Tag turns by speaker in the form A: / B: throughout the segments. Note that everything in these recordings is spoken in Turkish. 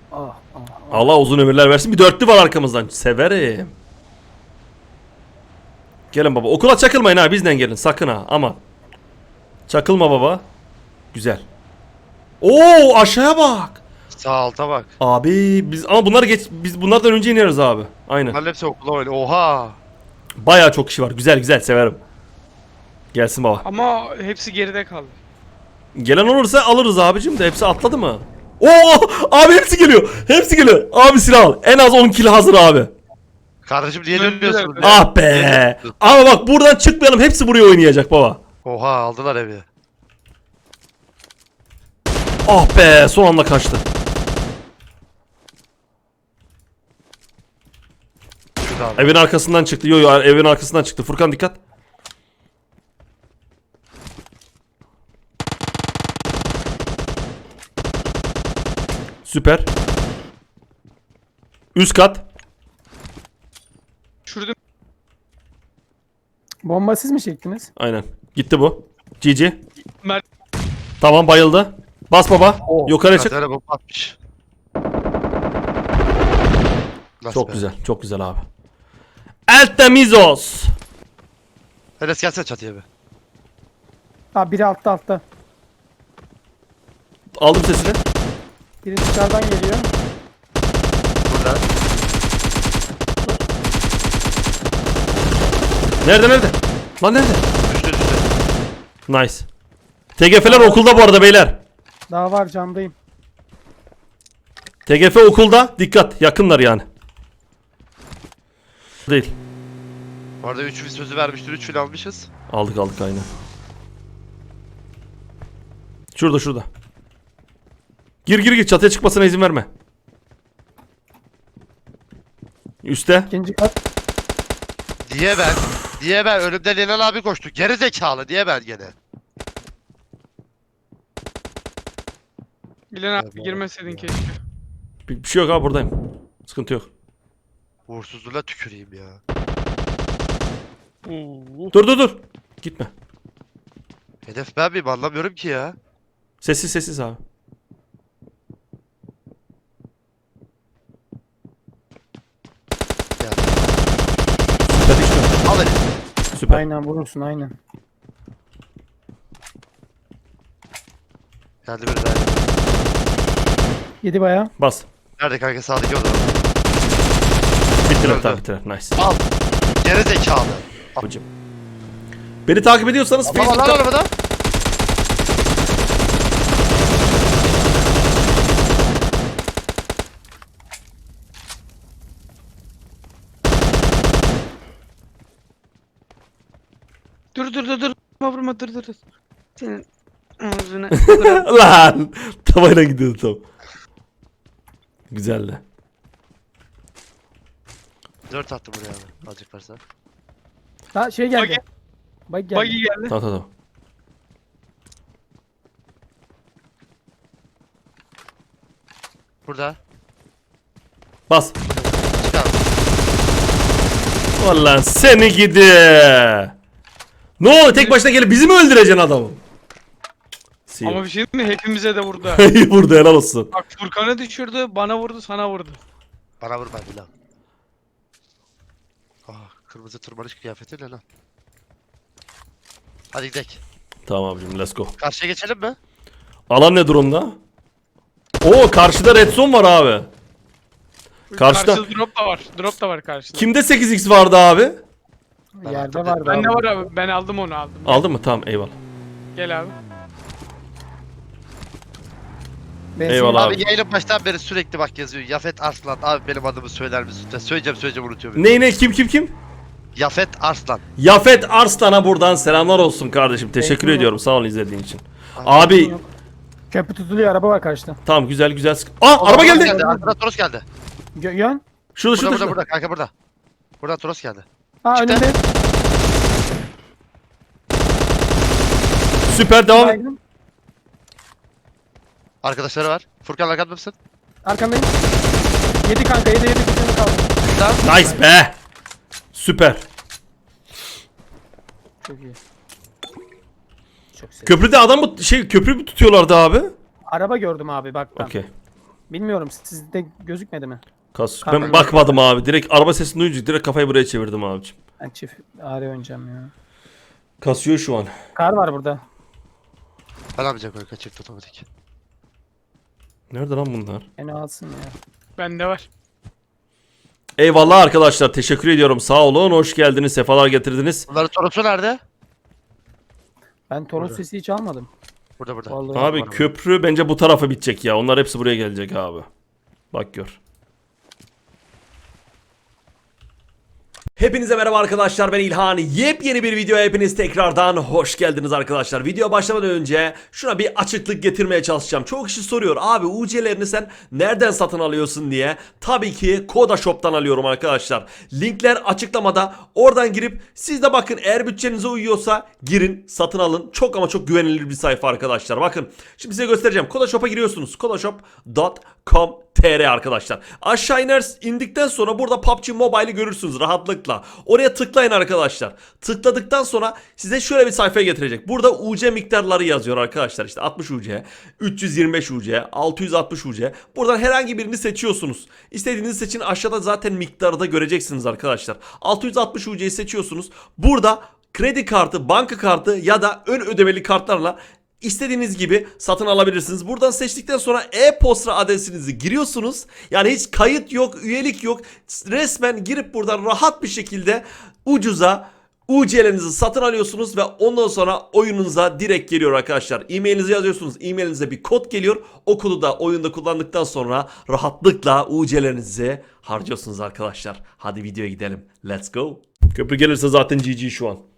A: Ah, ah, ah.
B: Allah uzun ömürler versin. Bir dörtlü var arkamızdan. Severim. Gelin baba. Okula çakılmayın ha. Bizden gelin. Sakın ha. Aman. Çakılma baba. Güzel. Oo aşağıya bak.
C: Sağ alta bak.
B: Abi biz ama biz bunlardan önce ineriz abi. Aynen.
C: Bunların hepsi okula öyle. Oha.
B: Bayağı çok kişi var. Güzel güzel severim. Gelsin baba.
D: Ama hepsi geride kaldı.
B: Gelen olursa alırız abicim de hepsi atladı mı? Oo abi hepsi geliyor. Hepsi geliyor. Abi silah al. En az 10 kill hazır abi.
C: Kardeşim niye
D: Döndüler.
C: dönmüyorsun? ya?
B: Ah be. Ama bak buradan çıkmayalım. Hepsi buraya oynayacak baba.
C: Oha aldılar evi.
B: Ah be son anda kaçtı.
C: Şurada abi.
B: Evin arkasından çıktı. Yo yo evin arkasından çıktı. Furkan dikkat. Süper. Üst kat.
D: Şurada
A: Bomba siz mi çektiniz?
B: Aynen. Gitti bu. GG.
D: Mert
B: Tamam bayıldı. Bas baba.
A: Oh.
B: Yukarı çık.
C: Kadere bomba atmış. Nasıl
B: Çok
C: be?
B: güzel. Çok güzel abi. El temizos.
C: Enes gelsene çatıya bir.
A: Ha biri altta.
B: Aldım sesini.
A: Biri dışarıdan geliyor.
C: Burada.
B: Nerede? Lan nerede?
C: Düştü.
B: Nice. TGF'ler okulda bu arada beyler.
A: Daha var camdayım.
B: TGF okulda. Dikkat. Yakınlar yani. Değil.
C: Bu arada 3 sözü vermiştir. 3 fil almışız.
B: Aldık aynen. Şurada. Gir çatıya çıkmasına izin verme. Üste.
A: İkinci kat.
C: Diye ben önümden Leylan abi koştu. Geri zekalı diye ben gene.
D: Bilen abi girmeseydin keşke.
B: Bir şey yok abi buradayım. Sıkıntı yok.
C: Uğursuzluğuna tüküreyim ya.
D: Oo.
B: Dur. Gitme.
C: Hedef ben miyim anlamıyorum ki ya.
B: Sessiz abi.
C: Ya.
B: Süper işte.
C: Al Enes.
B: Süper.
A: Aynen vurursun aynen.
C: Geldi biri daha.
A: Yedi bayağı.
B: Bas.
C: Nerede kanka sağdaki odada?
B: Bittiler
C: Öldü.
B: tabii bittiler. Nice.
C: Al. Geri zekalı.
B: Abicim. Beni takip ediyorsanız
C: Al
B: Facebook'ta...
C: arabada.
D: Dur. Vurma dur. Senin ağzını.
B: Lan. Tavayla gidiyordu tam. Güzeldi.
C: 4 attım buraya abi. Azıcık varsa.
A: Ha şey geldi.
D: Buggy.
A: Bak geldi.
D: Buggy geldi.
B: Tamam.
C: Burada.
B: Bas.
C: Çık abi.
B: Vallahi seni gidi. Ne oldu tek başına gelip bizi mi öldüreceksin adamı?
D: Ama bir şey değil mi? Hepimize de vurdu.
B: Burada helal olsun.
D: Bak Furkan'ı düşürdü, bana vurdu, sana vurdu.
C: Bana vurma bir lan. Kırmızı tırmanış kıyafeti ne lan? Hadi gidelim.
B: Tamam abicim let's go.
C: Karşıya geçelim mi?
B: Alan ne durumda? Oo karşıda red zone var abi. Karşıda.
D: Drop da var karşıda.
B: Kimde 8x vardı abi?
A: Yerde vardı.
D: Ben ne
A: abi.
D: var abi? Ben aldım onu.
B: Aldın mı? Tamam eyvallah.
D: Gel abi.
A: Ben
B: Eyvallah.
C: Abi
B: Abi.
C: yayının baştan beri sürekli bak yazıyor. Yafet Arslan. Abi benim adımı söyler misin? Söyleyeceğim unutuyorum.
B: Ne kim?
C: Yafet Arslan.
B: Yafet Arslan'a buradan selamlar olsun kardeşim. Teşekkür
A: Eyvallah.
B: ediyorum. Sağ ol izlediğin için. Abi
A: Köprü tutuluyor, araba var karşıda.
B: tamam güzel. Aa araba geldi.
C: Arkadan Toros geldi.
A: Yön.
B: Şurada.
C: Burada kanka burada. Buradan Toros geldi.
A: Ha
C: Çıktı.
A: önünde.
B: Süper devam et.
A: Baygın.
C: Arkadaşları var. Furkan arkanda mısın?
A: Arkandayım. Yedi kanka, yedi bir kaldı.
B: Nice be. Süper.
A: Çok iyi. Çok sev.
B: Köprüde adam mı köprü mü tutuyorlardı abi?
A: Araba gördüm abi bak ben.
B: Okey.
A: Bilmiyorum sizde gözükmedi mi?
B: Ben bakmadım abi. Direkt araba sesini duyunca direkt kafayı buraya çevirdim abicim.
A: Ben çift AR oynayacağım ya.
B: Kasıyor şu an.
A: Kar var burada.
C: Ben yapacak öyle kaçırdı otomatik.
B: Nerede lan bunlar?
A: Beni alsın ya.
D: Bende var.
B: Eyvallah arkadaşlar. Teşekkür ediyorum. Sağ olun. Hoş geldiniz. Sefalar getirdiniz.
C: Bunların sorusu nerede?
A: Ben Toros
C: Burada.
A: sesi hiç almadım.
C: Burada.
A: Vallahi.
B: Abi
C: var.
B: köprü bence bu tarafa bitecek ya. Onlar hepsi buraya gelecek abi. Bak gör. Hepinize merhaba arkadaşlar, ben İlhan. Yepyeni bir videoya hepiniz tekrardan hoş geldiniz arkadaşlar. Video başlamadan önce şuna bir açıklık getirmeye çalışacağım. Çok kişi soruyor abi UC'lerini sen nereden satın alıyorsun diye. Tabii ki Koda Shop'tan alıyorum arkadaşlar. Linkler açıklamada, oradan girip siz de bakın, eğer bütçenize uyuyorsa girin satın alın. Çok ama çok güvenilir bir sayfa arkadaşlar. Bakın şimdi size göstereceğim. Koda Shop'a giriyorsunuz. kodashop.com.tr arkadaşlar. Aşağı indikten sonra burada PUBG Mobile'i görürsünüz rahatlıkla. Oraya tıklayın arkadaşlar. Tıkladıktan sonra size şöyle bir sayfaya getirecek. Burada UC miktarları yazıyor arkadaşlar. İşte 60 UC, 325 UC, 660 UC. Buradan herhangi birini seçiyorsunuz. İstediğinizi seçin. Aşağıda zaten miktarı da göreceksiniz arkadaşlar. 660 UC'yi seçiyorsunuz. Burada kredi kartı, banka kartı ya da ön ödemeli kartlarla İstediğiniz gibi satın alabilirsiniz. Buradan seçtikten sonra e-posta adresinizi giriyorsunuz. Yani hiç kayıt yok, üyelik yok. Resmen girip buradan rahat bir şekilde ucuza UC'lerinizi satın alıyorsunuz ve ondan sonra oyununuza direkt geliyor arkadaşlar. E-mailinizi yazıyorsunuz. E-mailinize bir kod geliyor. O kodu da oyunda kullandıktan sonra rahatlıkla UC'lerinizi harcıyorsunuz arkadaşlar. Hadi videoya gidelim. Let's go. Köprü gelirse zaten GG şu an.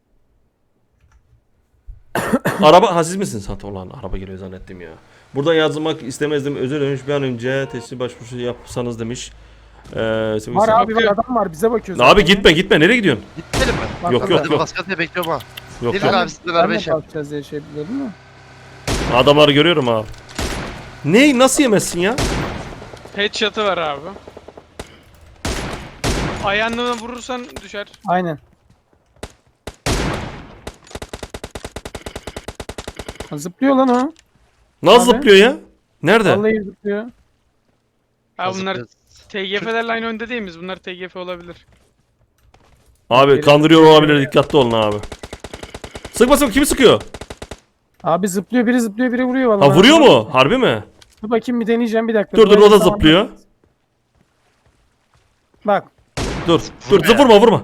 B: Araba, siz misiniz? Ulan araba geliyor zannettim ya. Buradan yazmak istemezdim. Özür dilerim, bir an önce teslim başvurusu yapsanız demiş.
A: Var abi, var adam var, bize bakıyor.
B: Abi gitme, nereye gidiyorsun?
C: Gitmedim mi?
A: Bak,
B: Yok,
A: bak,
B: yok,
C: Hadi
B: yok.
C: basket diye bekliyorum ha.
B: Yok
C: Değil
B: yok.
C: mi abi sizle
A: Ben
C: beraber
A: de
C: iş yap.
A: kalkacağız diye şey biliyordum mu?
B: Adamları görüyorum abi. Ne? Nasıl yemezsin ya?
D: Headshot'ı var abi. Ayağına vurursan düşer.
A: Aynen. Zıplıyor lan o.
B: Nasıl
A: Abi.
B: zıplıyor ya? Nerede?
A: Vallahi zıplıyor.
D: Ha bunlar
C: Hazır-
D: TGF'lerle aynı önde değil miyiz? Bunlar TGF olabilir.
B: Abi kandırıyor olabilir, dikkatli olun abi. Sıkmasın, kimi sıkıyor?
A: Abi zıplıyor, biri zıplıyor, biri vuruyor vallahi.
B: Ha, vuruyor mu? Harbi mi?
A: Dur bakayım, bir deneyeceğim, bir dakika.
B: Dur o da
A: Tamam.
B: zıplıyor.
A: Bak.
B: Dur
C: Vurma ya.
B: vurma.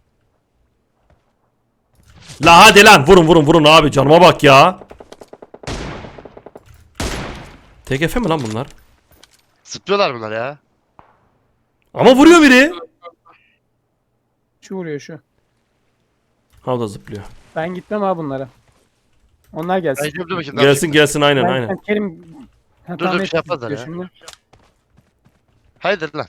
B: La hadi lan, vurun abi, canıma bak ya. TGF mi lan bunlar?
C: Zıplıyorlar bunlar ya.
B: Ama vuruyor biri.
A: Şu vuruyor şu.
B: Ha, o da zıplıyor.
A: Ben gitmem abi bunlara. Onlar gelsin.
C: Ben şimdi bakayım.
B: Gelsin aynen
A: Ben
B: aynen.
A: Kerim... Ha,
C: Dur,
A: tahmin
C: şey
A: ettim,
C: yapmazlar ya.
A: şimdi.
C: Haydi lan.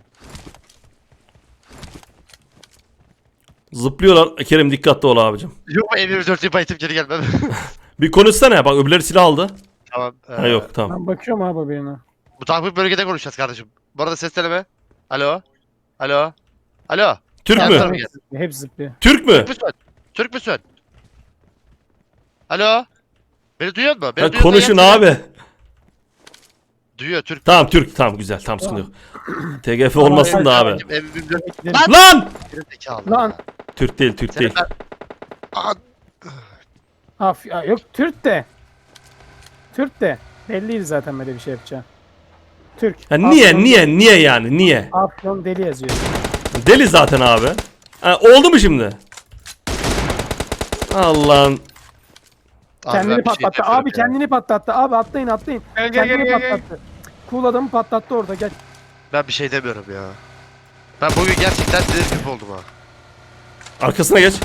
B: Zıplıyorlar. Kerim dikkatli ol abicim.
C: Yok mu M24'ü bayıtıp geri gelmem.
B: Bir konuşsana, bak öbürleri silah aldı.
C: Tamam.
B: Ha yok, tamam.
A: Ben bakıyorum abi birine.
C: Bu takip bölgede konuşacağız kardeşim. Bu arada ses deneme. Alo. Alo.
B: Türk
C: Gel
B: mü?
C: sana.
A: Hep zıplıyor.
B: Türk mü?
C: Türk müsün? Alo. Beni duyuyor musun? Beni
B: Ha,
C: duyuyorsan
B: konuşun
C: yap.
B: abi.
C: Duyuyor Türk.
B: Tamam Türk, tamam güzel, tamam sıkıntı yok. TGF olmasın da abi.
C: M24
A: Gidelim.
B: Lan!
C: zekalı.
A: Lan.
B: Türk değil.
C: Aa,
A: Ya, yok Türk de. Türk de. Belliydi zaten böyle bir şey yapacağı. Türk.
B: Ha, niye yani, niye?
A: Afyon deli yazıyor.
B: Deli zaten abi. Ha, oldu mu şimdi? Allah'ın.
A: Kendini
C: ben bir şey
A: patlattı.
C: yapıyorum
A: Abi
C: ya.
A: kendini patlattı. Abi atlayın.
D: Gel,
A: Kendini
D: gel.
A: patlattı. Cool adamı patlattı orada, gel.
C: Ben bir şey demiyorum ya. Ben bugün gerçekten delirip oldum ha.
B: Arkasına geç.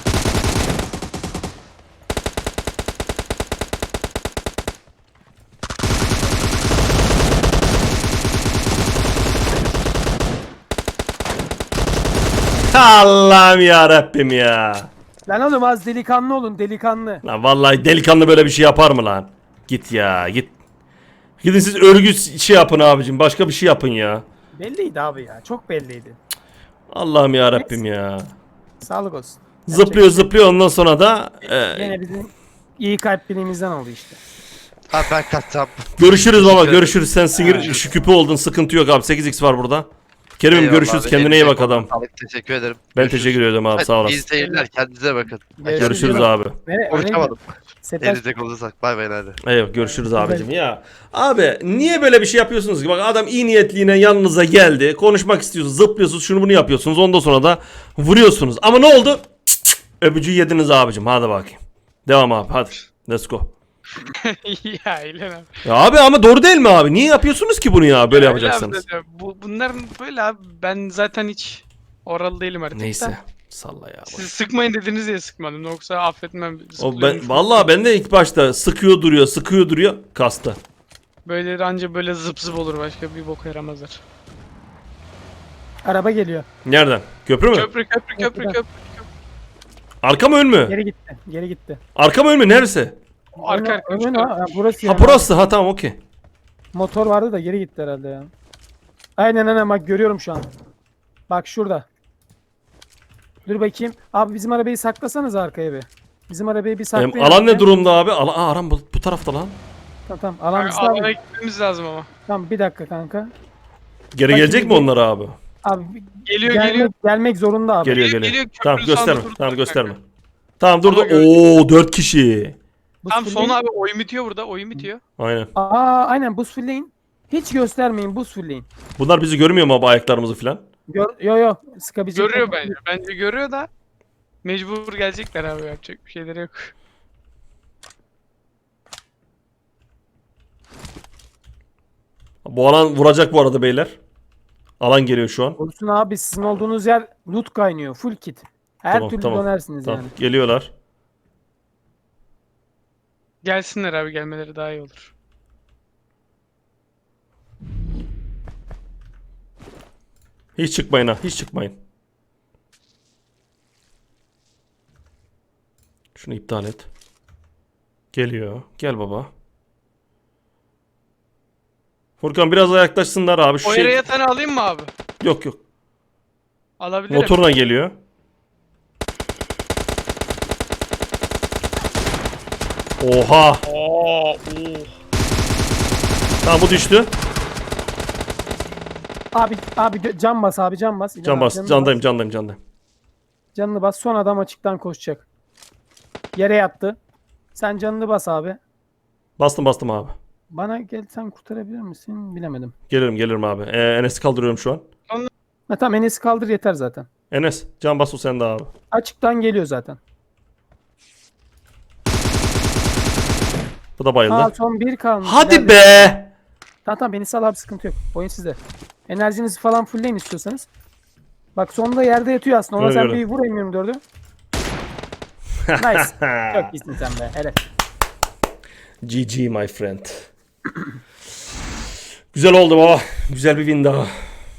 B: Allah'ım ya Rabbim ya.
A: Lan oğlum az delikanlı olun, delikanlı.
B: Lan vallahi delikanlı böyle bir şey yapar mı lan? Git ya, git. Gidin siz örgü şey yapın abicim, başka bir şey yapın ya.
A: Belliydi abi ya. Çok belliydi.
B: Allah'ım ya Rabbim ya.
A: Sağlık olsun.
B: Zıplıyor ondan sonra da
A: Yine bizim iyi kalpliliğimizden oldu işte.
C: Abi ben kaçacağım.
B: Görüşürüz baba,
C: Teşekkür
B: görüşürüz. Sen sinir
C: Görüşürüz.
B: şu küpü oldun, sıkıntı yok abi. 8x var burada. Kerim'im
C: Eyvallah
B: görüşürüz.
C: abi,
B: Kendine iyi
C: elinize
B: bak adam.
C: sağlık, teşekkür ederim.
B: Ben
C: Görüşürüz.
B: teşekkür ederim abi,
C: Hadi,
B: sağ
C: İyi
B: olasın.
C: seyirler, kendinize bakın.
B: Görüşürüz abi.
C: Konuşamadım.
A: Setaş
C: Elinize kolunuza bay bay hadi.
B: Evet, görüşürüz abicim ya. Abi niye böyle bir şey yapıyorsunuz ki? Bak adam iyi niyetliğine yanınıza geldi. Konuşmak istiyorsunuz, zıplıyorsunuz, şunu bunu yapıyorsunuz. Ondan sonra da vuruyorsunuz. Ama ne oldu? Öpücüğü yediniz abicim. Hadi bakayım. Devam abi, hadi. Let's go.
D: Ya İlhan abi.
B: Ya abi ama doğru değil mi abi? Niye yapıyorsunuz ki bunu ya? Böyle
D: Ya öyle
B: yapacaksanız.
D: abi, bunlar böyle abi. Ben zaten hiç oralı değilim artık.
B: Neyse.
D: Da.
B: Salla ya.
D: Siz sıkmayın dediniz diye sıkmadım. Yoksa affetmem.
B: O
D: Zıplıyorum.
B: vallahi ben de ilk başta sıkıyor duruyor kastı.
D: Böyle anca böyle zıp zıp olur, başka bir boka yaramazlar.
A: araba geliyor.
B: Nereden? Köprü mü?
D: Köprü.
B: Arka mı ön mü?
A: Geri gitti. Geri gitti.
B: Arka mı ön mü? Neresi?
D: Arka
A: Önü ha, burası
B: Ha
A: yani.
B: burası. Ha tamam, okey.
A: Motor vardı da geri gitti herhalde ya. Aynen bak görüyorum şu an. Bak şurada. Dur bakayım. Abi bizim arabayı saklasanız arkaya bir. Bizim arabayı bir saklayın.
B: Alan ne
A: arkaya.
B: durumda abi? Aran bu tarafta lan.
A: Tamam alan bizde
D: Alana
A: abi.
D: gitmemiz lazım ama.
A: Tamam bir dakika kanka.
B: Geri
A: Bak
B: gelecek
A: şimdi
B: mi onlar abi?
A: Abi
D: Geliyor.
A: gelmek zorunda abi.
B: Geliyor.
D: Geliyor,
B: Tamam
D: köprünün sağında
B: gösterme.
D: durdu
B: Tamam
D: bak
B: gösterme.
D: kanka.
B: Tamam durdu.
D: Ama gör-
B: Oo 4 kişi.
A: Buz
D: Tam
A: fullleyin.
D: son abi oyun bitiyor burada. Oyun bitiyor.
B: Aynen.
A: Aynen buz fullleyin. Hiç göstermeyin buz fullleyin.
B: Bunlar bizi görmüyor mu abi, ayaklarımızı falan?
A: Yo sıkabilecek.
D: Görüyor bence. Bence görüyor da mecbur gelecekler abi, yapacak bir şeyleri yok.
B: Bu alan vuracak bu arada beyler. Alan geliyor şu an.
A: Olsun abi sizin olduğunuz yer loot kaynıyor. Full kit. Her
B: Tamam,
A: türlü
B: tamam.
A: dönersiniz
B: Tamam,
A: yani.
B: geliyorlar.
D: Gelsinler abi, gelmeleri daha iyi olur.
B: Hiç çıkmayın ha, hiç çıkmayın. Şunu iptal et. Geliyor. Gel baba. Furkan biraz yaklaşsınlar abi. Şu
D: O yere yatanı alayım mı abi?
B: Yok yok.
D: Alabilirim.
B: Motorla geliyor. Oha. Tamam bu düştü.
A: Abi can bas abi can bas. İlhan
B: Can
A: abi,
B: bas.
A: canını
B: Candayım.
A: Canını bas. Son adam açıktan koşacak. Yere yattı. Sen canını bas abi.
B: Bastım abi.
A: Bana gel sen kurtarabilir misin? Bilemedim.
B: Gelirim abi. Enes'i kaldırıyorum şu an.
A: Ha tamam Enes'i kaldır yeter zaten.
B: Enes can bas, o sende abi.
A: Açıktan geliyor zaten.
B: Bu da bayıldı.
A: Aa son bir kalmış.
B: Hadi
A: İleride-
B: be.
A: Tamam beni sal abi sıkıntı yok. Oyun sizde. Enerjinizi falan fullleyin istiyorsanız. Bak sonunda yerde yatıyor aslında. Ona
B: Öyle,
A: sen
B: öyle.
A: bir vur M24'ü. Nice. Çok iyisin sen be. Evet.
B: GG my friend. Güzel oldu baba. Güzel bir win daha.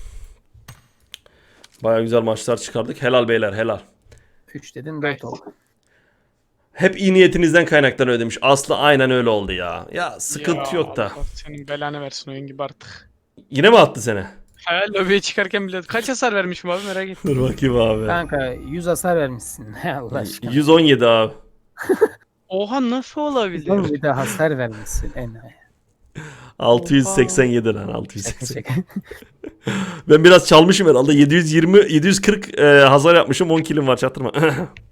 B: Baya güzel maçlar çıkardık. Helal beyler, helal.
A: 3 dedin 4 oldu.
B: Hep iyi niyetinizden kaynaklanıyor demiş. Aslı aynen öyle oldu ya. Ya sıkıntı yok da.
D: Allah senin belanı versin oyun gibi artık.
B: Yine mi attı seni?
D: Ha, lobiye çıkarken bile kaç hasar vermişim abi, merak ettim.
B: Dur bakayım abi.
A: Kanka 100 hasar vermişsin. Allah aşkına.
B: 117 abi.
D: Oha, nasıl olabilir?
A: Oğlum bir de hasar vermişsin. Enayi.
B: 687 lan 680.
A: Şaka.
B: Ben biraz çalmışım herhalde. 740 hasar yapmışım. 10 kilim var, çaktırma.